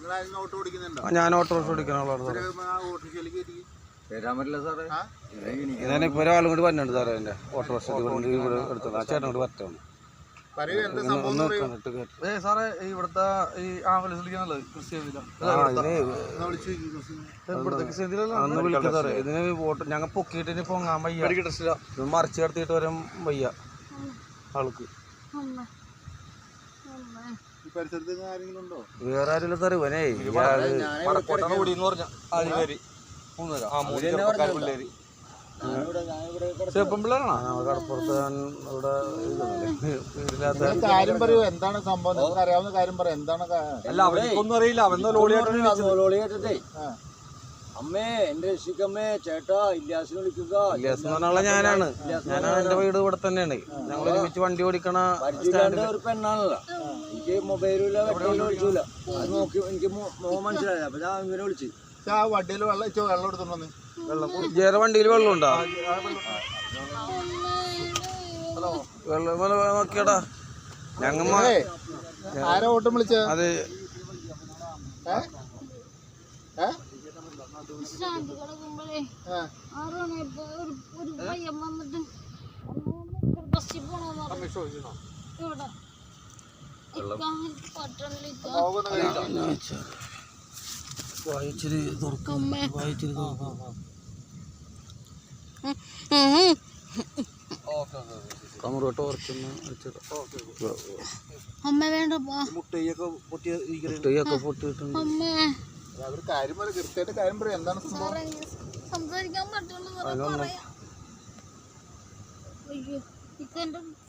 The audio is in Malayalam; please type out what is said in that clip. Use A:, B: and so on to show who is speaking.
A: ഞാൻ ഓട്ടോറിക്ഷ ഓടിക്കുന്ന ആളാണ് സാറേ. ഞാനിപ്പോൾ ഒരാളും കൂടി വന്നിട്ടുണ്ട് സാറേ. എൻ്റെ ഓട്ടോറിക്ഷ ഇവിടെ എടുത്തത് ആ ചേട്ടൻ കൂടി വരട്ടാണ്.
B: സാറേ ഇവിടുത്തെ ഈ ആംബുലൻസ് വിളിക്കാനുള്ളത്
A: അന്ന് വിളിക്കാം സാറേ. ഇതിന് ഞങ്ങൾ പൊക്കിയിട്ട് ഇനി പൊങ്ങാൻ വയ്യ, മറിച്ച് കിടത്തിയിട്ട് വരാൻ വയ്യ ആൾക്ക്. വേറെ ആരില്ല സാറേ. ഇവനേ കടപ്പുറത്ത്
C: കാര്യം പറയൂ, എന്താണ് സംഭവം? നിങ്ങൾക്ക് അറിയാവുന്ന കാര്യം പറയാം. എന്താണ്?
B: അല്ല, അവർക്കൊന്നും അറിയില്ല.
D: അമ്മേ എന്റെ രക്ഷിക്കമ്മേ, ചേട്ടാ ഇല്യാസിനെ വിളിക്കുക.
A: ഇല്യാസ് എന്ന് പറഞ്ഞ ഞാനാണ്. എന്റെ വീട് ഇവിടെ തന്നെയാണ്. ഞങ്ങൾ ഒരുമിച്ച് വണ്ടി ഓടിക്കണ
D: ഒരു പെണ്ണാണല്ലോ. എനിക്ക് മൊബൈലില്ല, വെട്ടമില്ല, വിളിച്ചില്ല. അത് നോക്കി എനിക്ക് മോഹം മനസ്സിലായി. അപ്പൊ ഞാൻ ഇങ്ങനെ വിളിച്ചു.
C: ആ വണ്ടിയിൽ വെള്ളം എടുത്തോണ്ടെന്ന്.
A: ജേറെ വണ്ടിയിൽ വെള്ളം ഉണ്ടോ? വെള്ളം നോക്കിയടാ. ഞങ്ങ
C: ആരാ ഓട്ടം വിളിച്ച?
A: അത് വായിച്ചിരി തുറക്കും. വായിച്ചിരി തുറക്കും. കമറോട്ട് ഓർക്കുന്ന മുട്ടയൊക്കെ പൊട്ടിയിട്ടുണ്ട്.
C: അവർ കാര്യം പറയും, കൃത്യമായിട്ട് കാര്യം പറയും. എന്താണ്
E: സംസാരിക്കാൻ പറ്റുള്ളൂ.